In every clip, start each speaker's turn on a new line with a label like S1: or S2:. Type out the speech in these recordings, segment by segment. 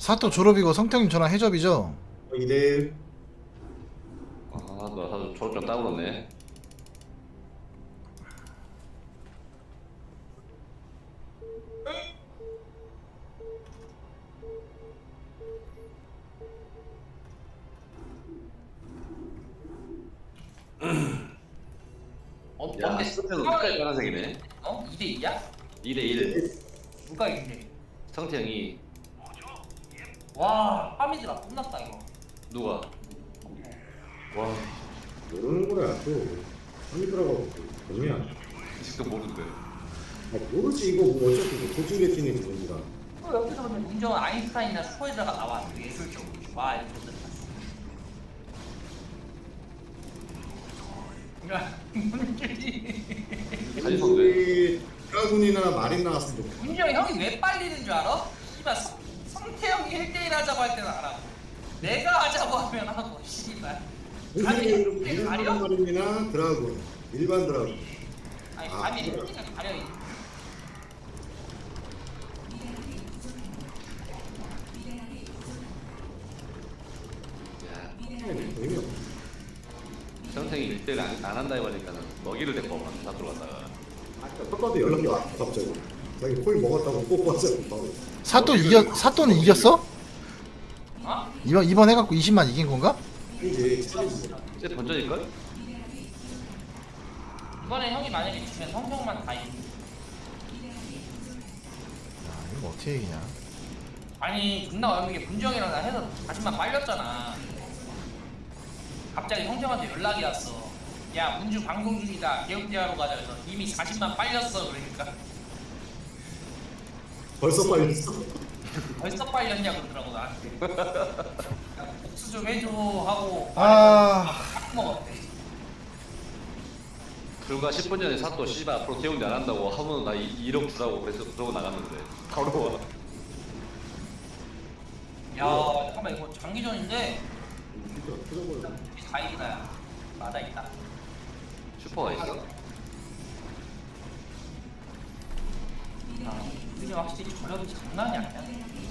S1: 사또 졸업이고 성태님 저랑 해접이죠?
S2: 2대1.
S3: 나 사실 졸업장 따버렸네. 야,
S4: 근데
S3: 스페는 끝까지 파란색이네.
S4: 2대2야?
S3: 2대1.
S4: 누가 이긴데?
S3: 성태 형이
S4: 와, 파미드가 끝났다 이거.
S3: 누가? 와,
S2: 모르는 거야, 또. 한이더라고, 뭐냐.
S3: 아직도 모르는데.
S2: 모르지, 이거 뭐 어차피 뭐 도중개팅인지 뭔지라.
S4: 또 옆에서 보면 문정은 아인슈타인이나 슈퍼에다가 나와 예술적으로. 와, 이거 좋다. 야, 문준이.
S3: 사실 왜?
S2: 드라군이나 마린 나왔으면 좋겠다.
S4: 문정이 형이 왜 빨리는 줄 알아? 씨발 성태형이 1대1 하자고 할 때는 알아. 내가 하자고 하면 하고 씨발. 아니,
S2: 일반
S4: 가려?
S2: 마린이나 드라군. 일반 드라군.
S4: 아니,
S2: 아,
S4: 감이
S2: 그래.
S4: 햇빛을 가려.
S3: 야,
S2: 의미 없어.
S3: 성태 형이 1대1 안 한다 해보니까는 먹이를 데리고 다 들어갔다가.
S2: 아까도 연락이 왔어, 갑자기. 자기 콜 먹었다고 꼭 왔어, 바로.
S1: 사또는 이겼어?
S4: 어?
S1: 이번 해갖고 20만 이긴 건가?
S2: 이제 챌린지.
S3: 이제 번전일걸?
S4: 이번에 형이 만약에 지면 성형만 다 이겨.
S1: 야, 이거 어떻게 이기냐?
S4: 아니 존나 어이없는 게 문정이랑 나 해서 자신만 빨렸잖아. 갑자기 성정한테 연락이 왔어. 야 문주 방송 중이다. 개업대하러 가자. 그래서 이미 자신만 빨렸어. 그러니까
S2: 벌써 빨렸어.
S4: 벌써 빨렸냐 그러더라고 나한테. 야, 복수 좀 해줘 하고 딱 먹었대.
S3: 불과 10분 전에 사또 씨발 앞으로 대웅대 안 한다고 하면 나 1억 주라고 그래서 그러고 나갔는데 바로 와.
S4: 야 잠깐만 이거 장기전인데
S2: 진짜 터져버려.
S4: 다행이다. 야. 맞아 있다.
S3: 슈퍼가 있어?
S4: 야, 우리 확실히 저력이 장난이 아니야.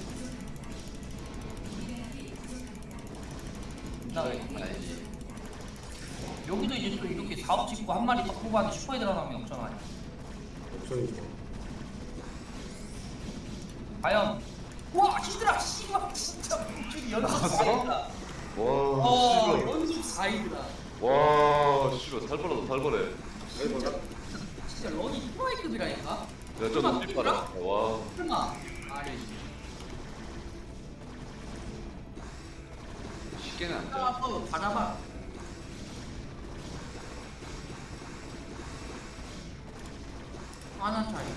S4: 나왜
S3: 아니지.
S4: 여기도 이제 또 이렇게 사업 짓고 한 마리 더 뽑아도 슈퍼에 들어가면 역전 아니야.
S2: 옵션이죠.
S4: 과연 와 히드라 씨발 진짜 문준이 연속 4위다.
S3: 와, 씨발.
S4: 연속 4위다.
S3: 와, 씨발 살벌하다 살벌해.
S4: 진짜 런이 히드라이급이라니까.
S3: 야, 저 눈빛 봐라. 와,
S4: 설마 아래
S3: 쉽게는 안 돼.
S4: 따라서 받아봐. 하나 차이.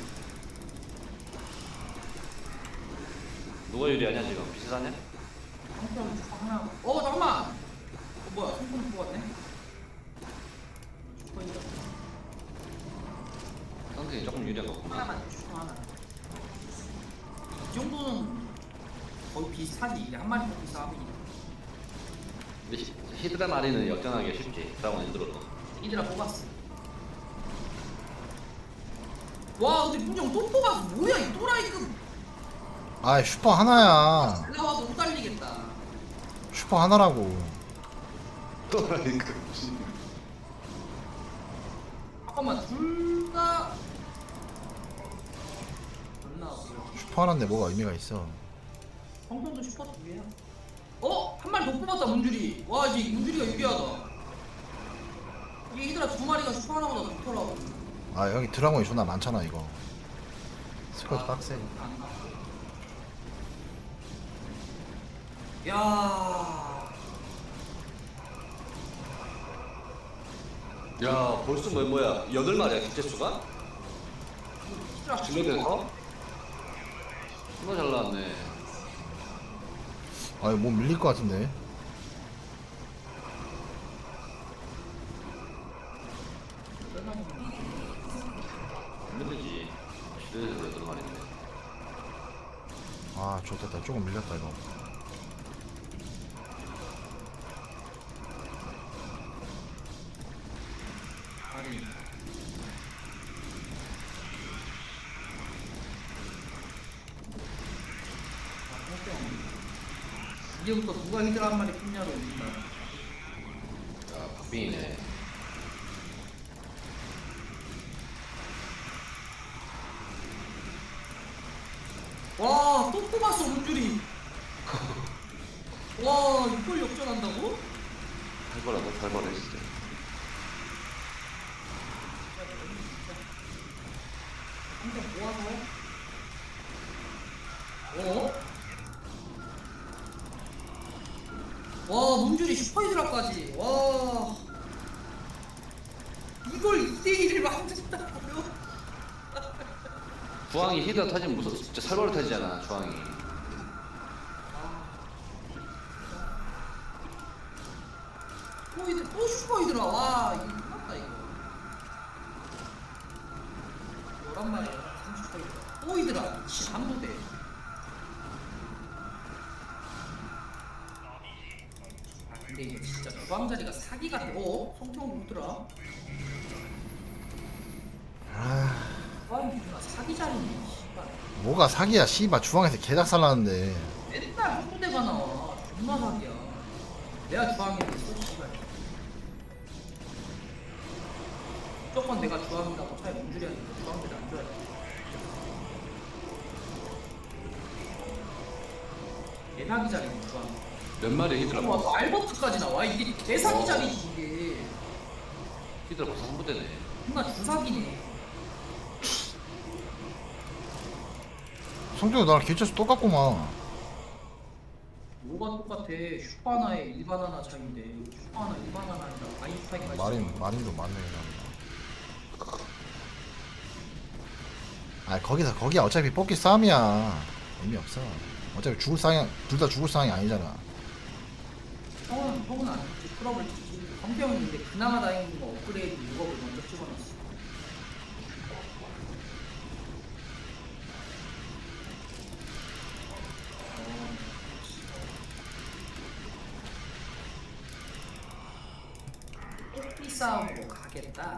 S3: 누가 유리하냐 지금? 비슷하냐?
S4: 성공 하나. 잠깐만. 뭐야 성공 뽑았네. 슈퍼인가?
S3: 성태이 조금 유리한 것 같구나.
S4: 하나만 슈퍼 하나. 이 정도는 거의 비슷하지. 이게 한 마리 뽑기 싸움이니까.
S3: 근데 히드라 마리는 역전하기 쉽지. 드라곤 힘들어도.
S4: 이들아 뽑았어. 와 근데 문정 또 뽑았어. 뭐야 이 또라이급.
S1: 아 슈퍼 하나야.
S4: 잘 나와도 못 달리겠다.
S1: 슈퍼 하나라고.
S3: 또라니까.
S4: 잠깐만 둘 다. 존나 어려워.
S1: 슈퍼 하나인데 뭐가 의미가 있어?
S4: 성공도 슈퍼 두 개야. 한 마리 더 뽑았다 문줄이. 와 이제 문줄이가 유리하다. 이게 이들아 두 마리가 슈퍼 하나보다 좋더라고.
S1: 아 여기 드라곤이 존나 많잖아 이거. 스쿼드 빡세.
S4: 야.
S3: 야, 벌써 뭐야? 8마리야 기체 수가?
S4: 이들아
S3: 진로돼서? 정말 잘 나왔네.
S1: 아 이거 뭐 밀릴 것 같은데.
S3: 힘들지. 시대에서 8마리인데.
S1: 아 좋겠다. 조금 밀렸다 이거.
S4: 아니. 아, 이제부터 누가 히드라 한 마리 끊냐로 일단.
S3: 야 박빙이네.
S4: 와, 또 뽑았어, 문줄이. 와, 이걸 역전한다고?
S3: 살벌하다 살벌해 진짜.
S4: 한장 모아서. 와, 문줄이 슈퍼히드라까지. 와. 이걸 2대1을 만든다고요?
S3: 주황이 히드라 타지면 무슨 진짜 살벌 타지잖아 주황이.
S4: 또 슈퍼히드라. 와, 이거 끝났다, 이거. 11마리야, 30슈퍼히드라. 또 히드라. 잠도대. 근데 이거 진짜 주방자리가 사기 같아. 성경 누구더라?
S1: 아,
S4: 주방이 사기 자리네. 씨발.
S1: 뭐가 사기야 씨발. 주황에서 개작살 나는데.
S4: 맨날 홍대가 나와. 존나 사기야. 내가 주황인데 씨발. 무조건 내가 주황이라고 차에 문줄이 하니까 주황들이 안 좋아해. 개사기 자리네 주황.
S3: 몇 마리 히드라
S4: 와, 또 알버트까지 나와. 이게 개사기 자리지 이게.
S3: 히드라 벌써 한 부대네.
S4: 존나 주사기네.
S1: 성종이 나랑 개체수 똑같구만.
S4: 뭐가 똑같아. 슈퍼하나에 일반 하나 차이인데 슈퍼하나 일반 하나 아니라 아인슈타인까지.
S1: 마린도 맞네. 아 거기야 어차피 뽑기 싸움이야. 의미 없어. 어차피 죽을 상황, 둘 다 죽을 상황이 아니잖아.
S4: 형은 안 죽지. 풀업을 찍지. 성병은 근데 그나마 다행인 거 업그레이드 6억을 먼저 찍어놨어. 뽑기 싸움으로 가겠다.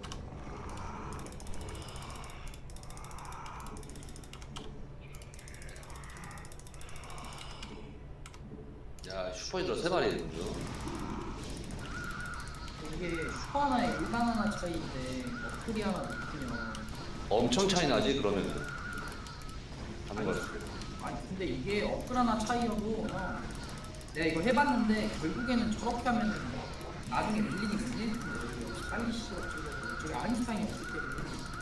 S3: 야 슈퍼 히드라 3마리 먼저.
S4: 이게 슈퍼 하나에 일반 하나 차이인데 업그리 하나 넣으면
S3: 엄청 차이 나지 그러면은. 하는 거지.
S4: 아니 근데 이게 업글 하나 차이여도 내가 이거 해봤는데 결국에는 저렇게 하면은 나중에 밀리니 밀릴 텐데 역시 빨리 시어 저기 아인슈타인이 없을 때는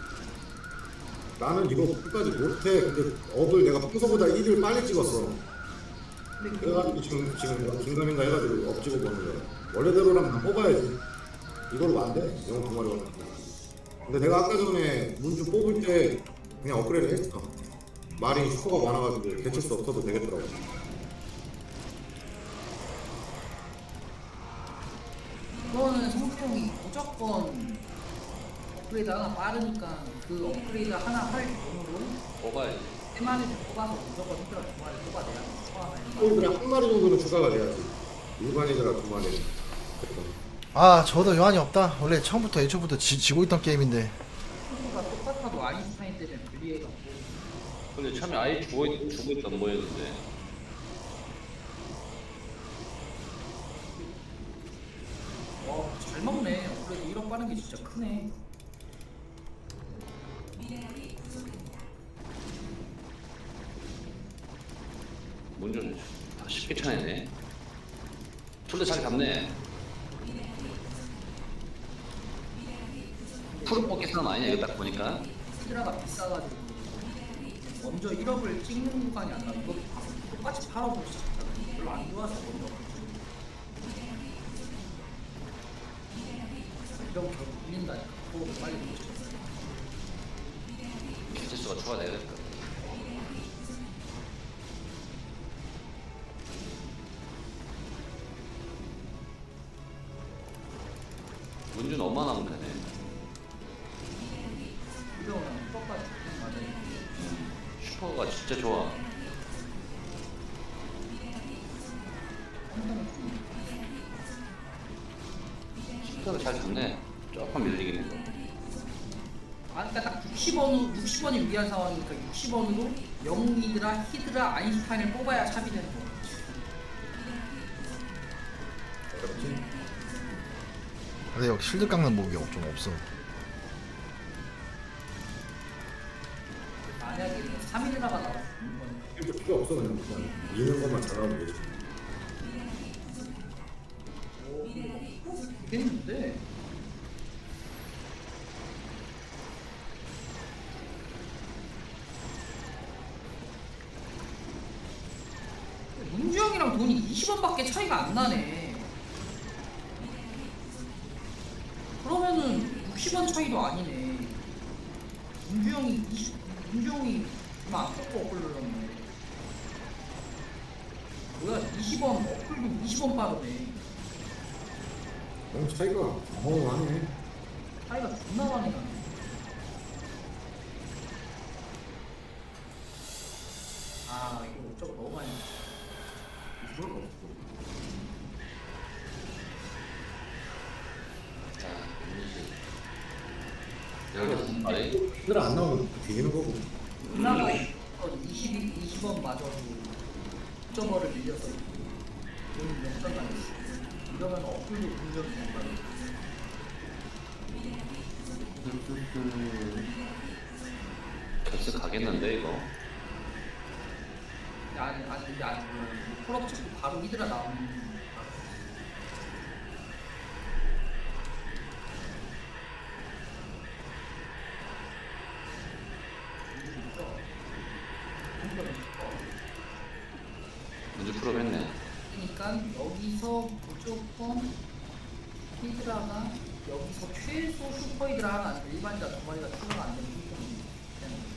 S2: 나는 이거 끝까지 못해. 근데 업을 내가 평소보다 1을 빨리 찍었어.
S4: 근데
S2: 그래가지고 지금 긴가민가 해가지고 업 찍어 보는 거야. 원래대로라면 다 뽑아야지. 이걸로 안 돼. 영어 두 마리가. 근데 내가 아까 전에 문주 뽑을 때 그냥 업그레이드 했어. 말이 슈퍼가 많아가지고 개체수 없어도 되겠더라고.
S4: 이거는 성평이 무조건 업그레이드 하나 빠르니까 그 업그레이드 하나 할 돈으로
S3: 뽑아야지.
S4: 3마리를 뽑아서 무조건 히드라 2마리 뽑아내야 돼. 슈퍼 하나에.
S2: 폴드랑 한 마리 정도는 추가가 돼야지. 일반이더라 두 마리.
S1: 아 저도 여한이 없다. 원래 처음부터 애초부터 지고 있던 게임인데.
S4: 가 똑같아도 아인슈타인 때문에 불리해갖고
S3: 근데 처음에 아예 죽어있던 모였는데.
S4: 와 잘 먹네. 업그레이드 1억 빠른 게 진짜 크네.
S3: 문좀 쉽게 차네. 둘다 잘 잡네. 푸른 뽑기 싸움 아니냐 이거 딱 보니까.
S4: 히드라가 비싸가지고 먼저 1억을 찍는 구간이 아니라 이거 똑같이 팔아보고 싶다. 별로 안 좋아서 먼저 이런 거 결국 밀린다니까. 그거 빨리 못 찍어.
S3: 개체수가 추가되겠다. 문준 엄마 나면 되네.
S4: 이러면 똑같이 맞아요.
S3: 슈퍼가 진짜 좋아. 슈퍼가 잘 잡네. 조금 밀리긴 해서.
S4: 아, 그러니까 딱 60원이 위한 상황이니까 60원으로 영웅이드라, 히드라, 아인슈타인을 뽑아야 샵이 되는 거야.
S1: 근데 여기 실드 깎는 무기 좀 없어.
S4: 만약에 뭐 3일이라가 나왔어.
S2: 필요 필요 없어 그냥 미는 것만 잘하면 되지.
S4: 되겠는데? 문주 형이랑 돈이 20원밖에 차이가 안 나네. 그러면은 60원 차이도 아니네. 문주 형이 얼마 안 깎고 어플 눌렀네. 뭐야 20원 어플도 20원 빠르네.
S2: 너무 차이가 어마어마하네.
S4: 차이가 존나 많이 나네. 아 이거 어쩌고 너무 많이 나네.
S2: 이걸 없어.
S3: 자, 여기 말이
S2: 힘들 안 나오면 뒤지는 거고.
S4: 누나가 20원 맞아도 9.5를 밀려서 돈이 역전 당했어. 이러면 어플도 분명히 못 받아.
S3: 결승 가겠는데 이거.
S4: 아니 근데 아직 몰라. 콜업 찍고 바로 이들아 나오는.
S3: 문제 풀업 했네.
S4: 그러니까 여기서 무조건 히드라가 여기서 최소 슈퍼 히드라 하나 아니면 일반자 두 마리가 추가가 안 되면 무조건 되는 거야.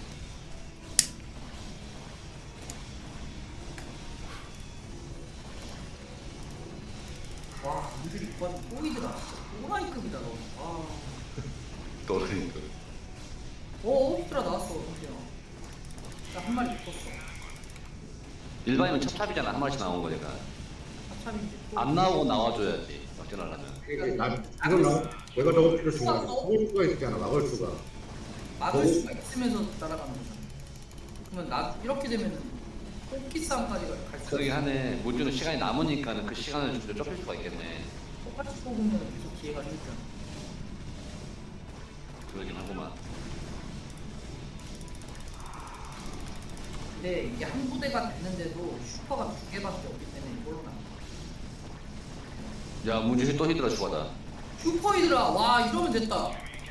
S4: 와, 문들이 이번 보이더라. 오라이급이다 너. 아,
S3: 너는
S4: 히드라 나왔어, 그냥. 나한 마리 붙었어.
S3: 일반이면 찹찹이잖아. 한 마리씩 나온 거니까.
S4: 합참인데.
S3: 안 나오고 나와줘야지. 역전하려면.
S2: 난 이걸 내가 저거 필요 중요한 게 막을 수가 있잖아. 막을 수가.
S4: 막을 수가 있으면서 따라가는 거잖아. 그러면 나 이렇게 되면 뽑기 싸움까지 갈 수.
S3: 그러긴 하네. 문주는 시간이 남으니까는 그 시간을 좀 좁힐 수가 있겠네.
S4: 똑같이 뽑으면 계속 기회가 생기잖아.
S3: 그러긴 하구만.
S4: 근데 이게 한 부대가 됐는데도 슈퍼가 2개밖에 없기 때문에 이걸로 나.
S3: 야, 문주 또 히드라 추가다.
S4: 슈퍼 히드라 와 이러면 됐다.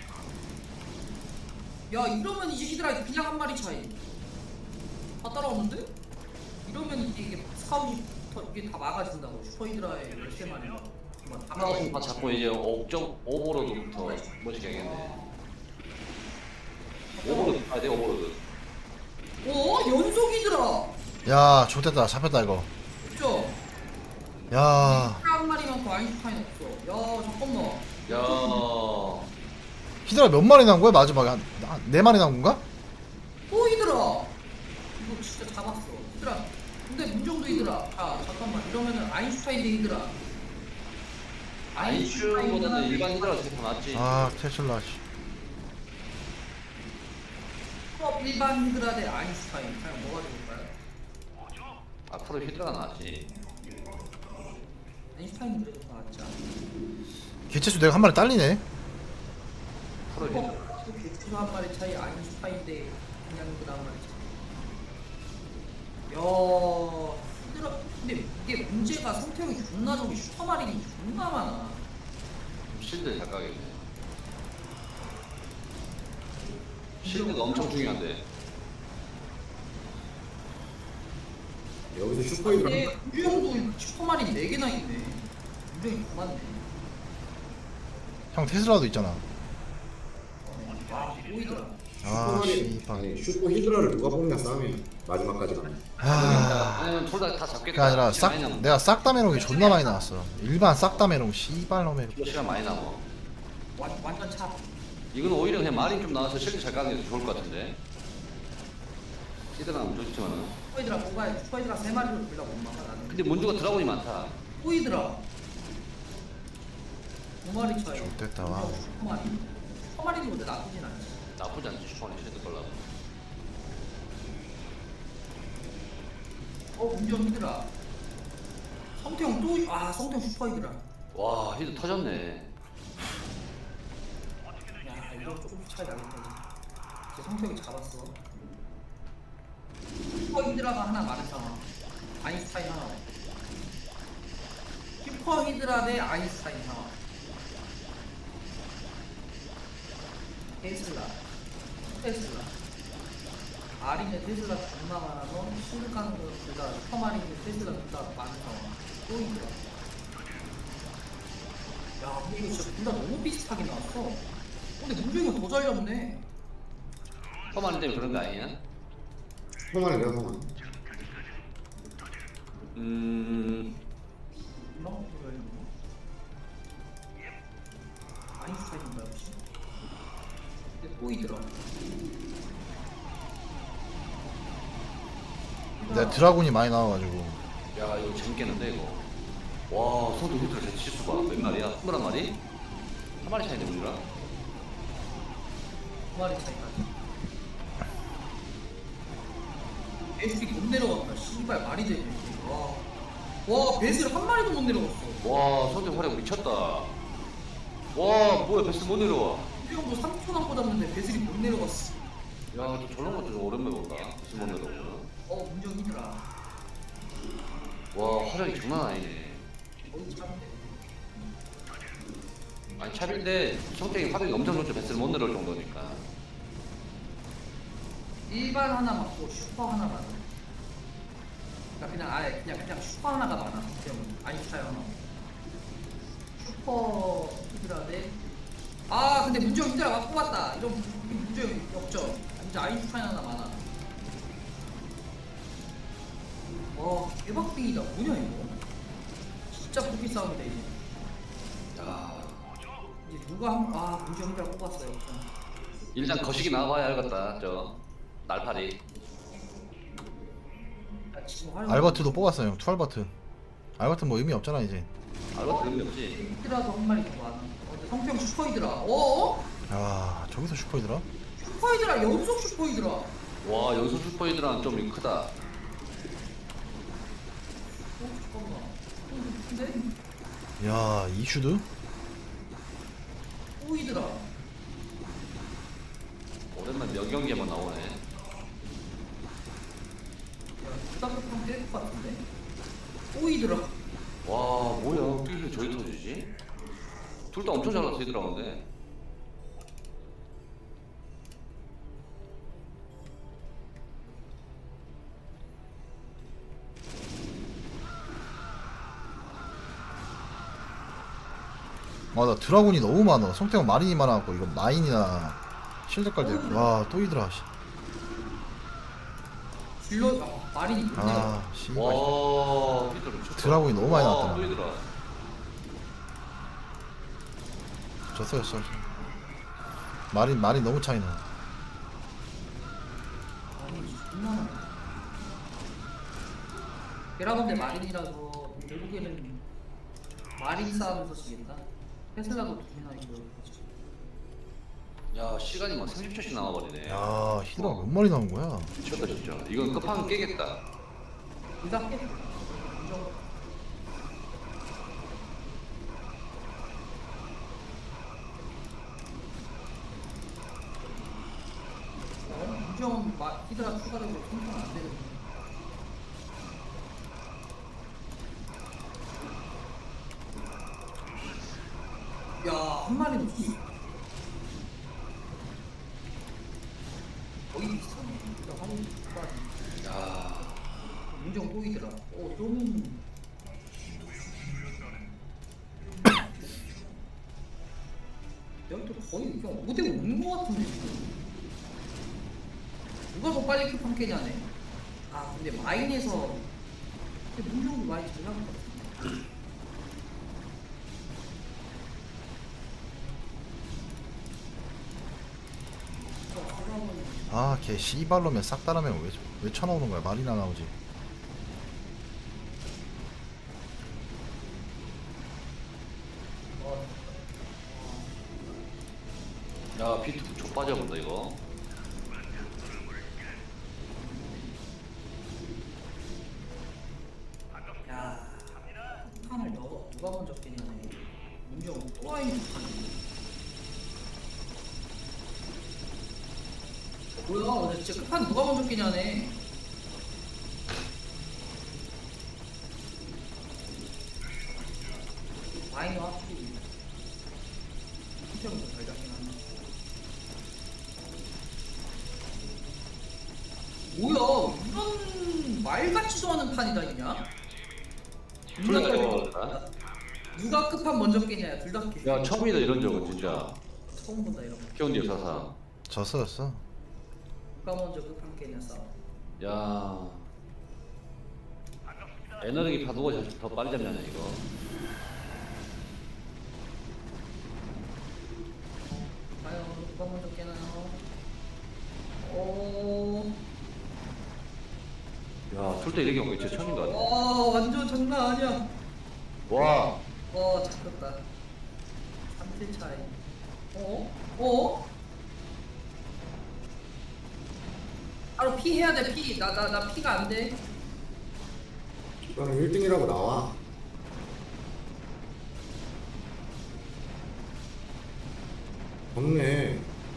S4: 야 이러면 이제 히드라 그냥 한 마리 차이. 다 따라오는데? 이러면 이게 사우부터 이게 다 막아진다고 슈퍼 히드라의 13마리가. 다
S3: 하나씩 다 잡고 이제 5.5버로드부터 멋지게 하겠네. 오버로드 가야 돼, 오버로드.
S4: 연속 히드라.
S1: 야 좋됐다. 잡혔다 이거.
S4: 그죠?
S1: 야
S4: 한 마리만 더 아인슈타인 없어. 야 잠깐만.
S3: 야,
S1: 히드라 몇 마리 나온 거야 마지막에 네 마리 나온 건가?
S4: 또 히드라. 이거 진짜 잡았어. 히드라. 근데 문정도 히드라. 자 잠깐만 이러면은 아인슈타인 대 히드라.
S3: 아인슈보다는 일반 히드라가 되게 더 낫지.
S1: 아 테슬라 씨.
S4: 일반 히드라 대 아인슈타인. 과연 뭐가 좋을까요?
S3: 앞으로 히드라가 낫지.
S4: 아인슈타인 그래도 더 낫지 않아?
S1: 개체수 내가 한 마리 딸리네.
S3: 앞으로 히드라.
S4: 개체수 한 마리 차이 아인슈타인 대 그냥 히드라 한 마리 차이. 야 히드라. 근데 이게 문제가 성태형이 존나 저기 슈퍼마린이 존나 많아.
S3: 실드 잘 가겠네. 실드가 엄청 중요한데.
S2: 여기서 슈퍼히드라
S4: 근데 유형도 슈퍼마린 4개나 있네. 유형이 더 많네.
S1: 형 테슬라도 있잖아.
S4: 와 보이더라.
S1: 아 씨발.
S2: 아니 슈퍼히드라를 누가 뽑냐 싸움이 마지막까지 가네.
S1: 아
S3: 아니면 둘다 잡겠다.
S1: 그게 아니라 싹
S3: 많이 남아.
S1: 내가 싹다 메롱이 존나 많이 나왔어. 일반 싹다 메롱 씨발 놈의.
S3: 이거 시간 많이 남아.
S4: 완전 차.
S3: 이건 오히려 그냥 마린 좀 나와서 실드 잘 가는 게 좋을 것 같은데. 히드라는 좋지만은.
S4: 슈퍼히드라 뭐가 슈퍼히드라 3마리로 빌라 못 막아 나는.
S3: 근데 문주가 드라곤이 많다.
S4: 보이더라. 5마리 차이.
S1: 좋됐다, 와.
S4: 슈퍼마린. 슈퍼마린이 근데 나쁘진 않지.
S3: 나쁘지 않지 슈퍼는 실드 걸라고.
S4: 문정 히드라. 성태형 또 성태형 슈퍼히드라.
S3: 와 히드 터졌네.
S4: 야 이거 조금 차이 나겠다. 제 성격이 잡았어. 슈퍼 히드라가 하나 많은 상황. 아인슈타인 하나. 슈퍼 히드라 대 아인슈타인 상황. 테슬라. 아린의 테슬라 존나 많아서 신을 가는 거 둘다 슈퍼마린의 테슬라 둘다 많은 상황. 또 히드라. 야 근데 이거 진짜 둘 다 너무 비슷하게 나왔어. 근데 문중이가 더 잘 잡네.
S3: 험한 때문에 그런 거 아니야?
S2: 성환이 내가 성환.
S4: 너? 아인슈타인인가 혹시? 근데 또 히드라.
S1: 내가 드라군이 많이 나와가지고.
S3: 야 이거 재밌겠는데 이거. 와 소도 히트를 대치 수가 몇 마리야? 21마리? 한 마리 차이네 우리랑.
S4: 두 마리 차이까지. 베슬이 못 내려갔다. 씨발 말이 되네. 와 베슬 한 마리도 못 내려갔어.
S3: 와 소도 활약 미쳤다. 와 뭐야 베스 못 내려와.
S4: 이 형도 3초 남고 잡는데 베슬이 못 내려갔어.
S3: 야저 저런 것도 좀 오랜만에 본다. 베스 못 내려오고.
S4: 문정 히드라.
S3: 와 활약이 장난 아니네.
S4: 어디 잡는데?
S3: 아니 차인데 성격이 활약이 엄청 좋죠. 베스를 못 내려올 정도니까.
S4: 일반 하나 맞고 슈퍼 하나 맞아. 그러니까 그냥 아예 그냥 슈퍼 하나가 많아. 그냥 아인슈타인 하나. 슈퍼 히드라 대. 아 근데 문정 히드라 막 뽑았다. 이런 문정 역전. 이제 아인슈타인 하나 많아. 와 개박빙이다. 뭐냐 이거? 진짜 뽑기 싸움이다 이제.
S3: 야
S4: 이제 누가 문정 히드라 뽑았어요. 역전.
S3: 일단 거시기 나와봐야 알겠다. 저 날파리.
S4: 야, 지금 활용-
S1: 알버트도 뽑았어요. 투알버트. 알버트 뭐 의미 없잖아 이제.
S3: 알바 의미 없지.
S4: 히드라도 한 마리 더 많아. 근데 성평 슈퍼 히드라. 어?
S1: 야 저기서 슈퍼이더라.
S4: 슈퍼 히드라 연속 슈퍼 히드라.
S3: 와 연수 슈퍼히드라는 좀 크다.
S4: 잠깐만. 근데
S1: 야 이슈드.
S4: 또 히드라.
S3: 오랜만 몇 경기에만 나오네.
S4: 야, 부담스럽게 뗄것 같은데? 또 히드라.
S3: 와 뭐야 어떻게 저기 터지지? 둘 다 엄청 잘 터지더라고는데.
S1: 나 드라군이 너무 많아. 성태형 마린이 많아갖고 이거 마인이나 실드 깔때 와또 이더라.
S4: 질러 마린이 못 내려.
S1: 아 씨발.
S3: 와 히드라 미쳤다.
S1: 드라군이 너무 많이
S3: 와,
S1: 나왔다.
S3: 또 히드라.
S1: 졌어. 마린 너무 차이나.
S4: 아니 존나 많아. 베라건데 마린이라서 결국에는 마린 싸움에서 지겠다. 테슬라도 두 개나 이거.
S3: 야 시간이 막 30초씩 나와버리네.
S1: 야 히드라 몇 마리 나온 거야?
S3: 미쳤다 진짜. 이건 끝판은 깨겠다.
S4: 둘다 깨. 문정. 문정은 히드라 추가되고 생산 안 되는. 야, 한 마리 놓쳤어. 거의 비슷하네. 일단 화면 추가하지.
S3: 야
S4: 문정 꼬이더라. 좀. 여기 또 거의 그냥 5대 5인 것 같은데 지금. 누가 더 빨리 큐판 깨냐네. 아 근데 마인에서 근데 문정도 많이 잘 나온 것 같은데.
S1: 아걔 씨발로면 싹 따라면 왜 쳐나오는 거야? 말이나 나오지.
S3: 야 비트 족 빠져본다 이거.
S4: 야, 폭탄을 누가 먼저 깨냐네. 문정 또 아인 폭탄. 뭐야 오늘 진짜 끝판 누가 먼저 끼냐네. 마이너 하필 수평도 잘 잡긴 하네. 뭐야 이런 말 같지도 않은 판이다 있냐? 누가 끝판 먼저 끼냐 둘 다 끼.
S3: 야 처음이다 이런 적은 진짜.
S4: 처음 본다 이런 거.
S3: 키운 역사상.
S1: 졌어.
S4: 누가 먼저 끝판 끼냐 싸움.
S3: 야. 에너지 파도가 더 빨리 잡냐네 이거.
S4: 과연 누가 먼저 깨나요? 오.
S3: 야 출대 이렇게 온거 진짜 처음인 것 같아.
S4: 완전 장난 아니야.
S3: 와.
S4: 잡혔다. 3킬 차이. 어? 바로 피 해야 돼, 피. 나 피가 안 돼.
S2: 이거는 1등이라고 나와. 없네.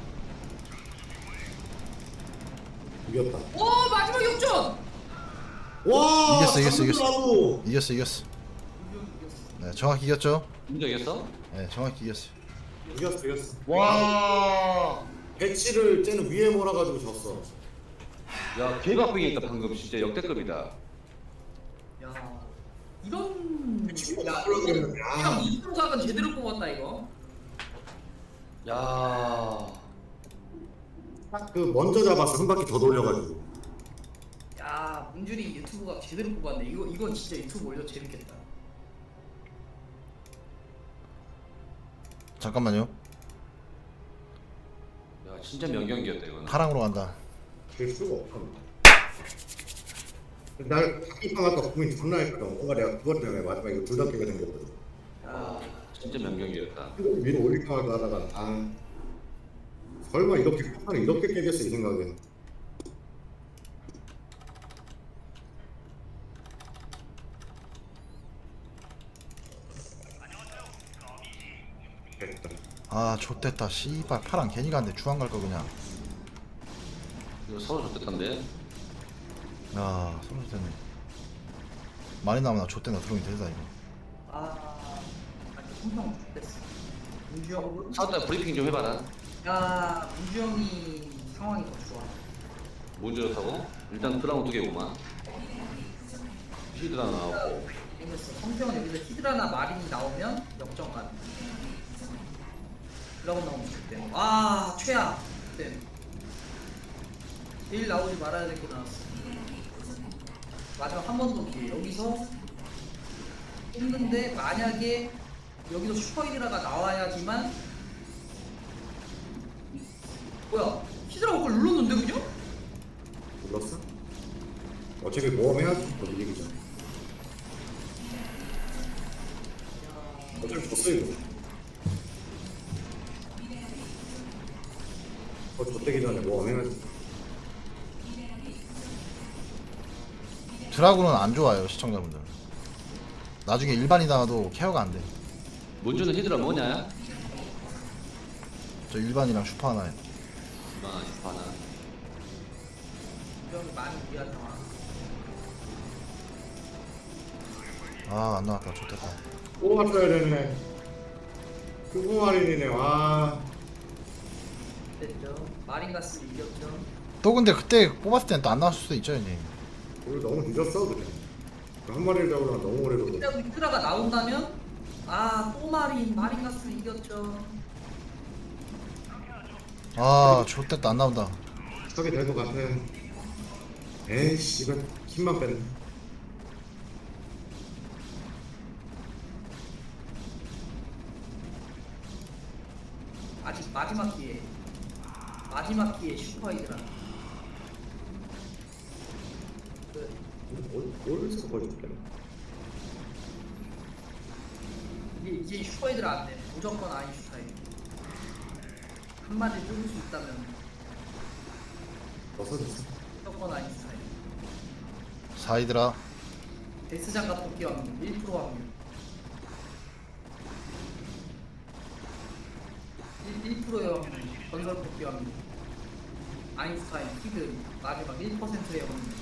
S2: 이겼다.
S4: 마지막 역전!
S2: 와!
S1: 이겼어.
S2: 나도.
S1: 이겼어. 네, 정확히 이겼죠?
S3: 인정했어?
S1: 네, 정확히 이겼어.
S2: 이겼어.
S3: 와.
S2: 배치를 쟤는 위에 몰아가지고 졌어.
S3: 야 개박빙했다 방금 진짜 역대급이다.
S4: 야, 이런.
S2: 친구
S4: 야,
S2: 나오려고 그랬는데,
S4: 그냥 이동각은 제대로 뽑았다, 이거.
S3: 야.
S2: 딱 그 먼저 잡았어. 한 바퀴 더 돌려가지고.
S4: 야, 문준이 유튜브가 제대로 뽑았네. 이건 진짜 유튜브 올려 재밌겠다.
S1: 잠깐만요.
S3: 야 진짜 명경기였다 이거는.
S1: 파랑으로 간다.
S2: 될 수가 없어. 날 바퀴판 아까 고민 존나 했거든. 뭔가 내가 그것 때문에 마지막에 이거 둘다 깨게 생겼거든.
S3: 아 진짜 명경기였다.
S2: 이거 위로 올릴까 말까 하다가 설마 이렇게 판을 이렇게 깨겠어 이 생각에. 됐다.
S1: 아, 좆됐다. 씨발, 파랑 괜히 갔는데 중앙 갈 거 그냥.
S3: 이거 서로 좋댔던데.
S1: 야, 소리 됐네. 많이 나오면 나 좆된다. 들어오긴 되다, 이거.
S4: 한명 됐어. 문주 형.
S3: 사우다 브리핑 좀 해봐라.
S4: 야, 문주 형이 상황이 더 좋아.
S3: 뭔 좋다고? 일단 드라마 2개구만. 히드라 나오고.
S4: 생겼어. 성태형은 여기서 히드라나 마린이 나오면 역전간. 드라곤 나오면 그때. 최악. 그때. 제일 나오지 말아야 될 게 나왔어. 마지막 한 번 더 기회. 여기서 했는데 만약에 여기서 슈퍼 히드라가 나와야지만. 뭐야? 히드라가 그걸 눌렀는데 그냥?
S2: 눌렀어? 어차피 모험해야지. 너 이기기 전에. 어차피 졌어 이거. 졌대기 전에 모험해야지.
S1: 드라군은 안 좋아요, 시청자분들. 나중에 일반이 나와도 케어가 안 돼.
S3: 문주는 히드라 뭐냐?
S1: 저 일반이랑 슈퍼 하나에.
S3: 하나.
S4: 문주 형이 많이 무리한 상황.
S1: 아, 안 나왔다. 좆됐다.
S2: 또 왔어야 됐네. 그거 할인이네. 와.
S4: 됐죠. 마린가스를 이겼죠.
S1: 또 근데 그때 뽑았을 땐 또 안 나왔을 수도 있죠, 형님.
S2: 우리 너무 늦었어 그래. 한 마리를 잡으려면 너무 오래 걸려.
S4: 근데 히드라가 나온다면 또 마린가스를 이겼죠.
S1: 아, 좆됐다. 안 나온다.
S2: 하게 될 것 같아. 에이씨 이거 힘만 뺐네.
S4: 아직 마지막 기회. 마지막 기회 슈퍼 히드라.
S2: 올서 보여줄게.
S4: 이제 슈퍼 히드라 안 돼. 무조건 아인슈타인. 한 마디 뚫을 수 있다면
S2: 벗어졌어.
S4: 무조건 아인슈타인.
S1: 사이드라.
S4: 데스장갑 복귀 확률 1% 확률. 1%의 확률. 건설 복귀 확률. 아인슈타인 키드 마지막 1%였는데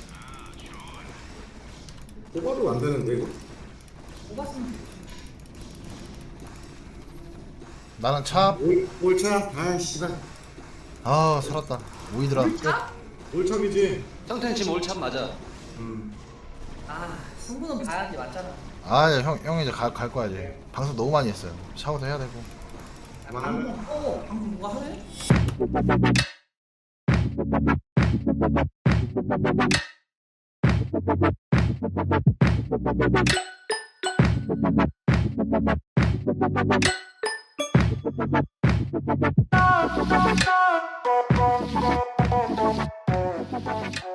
S2: 뽑아도 안 되는데 이거.
S4: 뽑았으면 좋지.
S1: 나는 차.
S2: 올차. 아 씨발.
S1: 아 살았다. 오이드라.
S2: 올참이지.
S3: 성태는 지금 올참 맞아.
S4: 아 승부는 봐야지 맞잖아.
S1: 아형 이제 갈 거야 이제. 방송 너무 많이 했어요. 샤워도 해야 되고.
S4: 방금 방금 누가 하래?
S5: Thank you.